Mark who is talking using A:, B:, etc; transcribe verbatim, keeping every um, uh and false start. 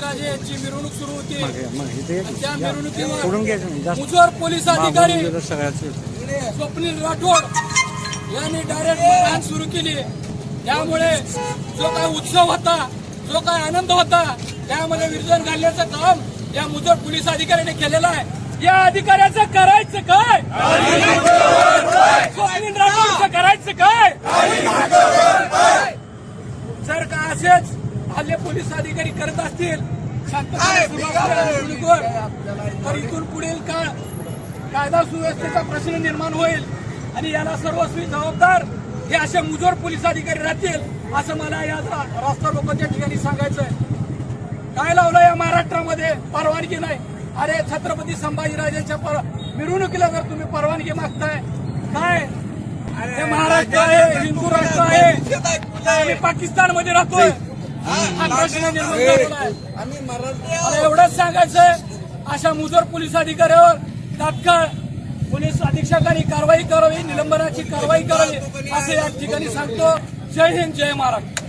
A: संभाजीराजे यांची मिरवणूक सुरू होती
B: मग इथे
A: आणि त्या
B: सोडून
A: मिरवणुकीवर
B: घ्यायचं नाही जास्त
A: मुजोर पोलीस अधिकारी
B: सगळ्याच
A: स्वप्नील राठोड यांनी डायरेक्ट मारहाण सुरू केली। त्यामुळे जो काही उत्सव होता, जो काही आनंद होता, त्यामध्ये विरजन घालण्याचं काम या मुजोर पोलीस अधिकाऱ्याने केलेलं आहे। या अधिकाऱ्याचं करायचं काय? स्वप्नील राठोडचं करायचं काय? जर का असेच हल्ले पोलीस अधिकारी करत असतील शांततेने सुरुवात तर इथून पुढील काळ कायदा सुव्यवस्थेचा प्रश्न निर्माण होईल आणि याला सर्वस्वी जबाबदार हे असे मुजोर पोलीस अधिकारी राहतील असं मला या रास्ता रोकोच्या ठिकाणी सांगायचंय। काय लावलं या महाराष्ट्रामध्ये? परवानगी नाही। अरे छत्रपती संभाजीराजांच्या मिरवणुकीला जर तुम्ही परवानगी मागताय, काय हे महाराष्ट्र आहे, हिंदू राष्ट्र आहे, आम्ही पाकिस्तानमध्ये राहतोय, हा प्रश्न निर्माण झालेला आहे। एवढंच सांगायचंय, अशा मुजोर पोलीस अधिकाऱ्यावर तात्काळ पोलीस अधीक्षकांनी कारवाई करावी, निलंबनाची कारवाई करावी असं या ठिकाणी सांगतो। जय हिंद, जय महाराष्ट्र।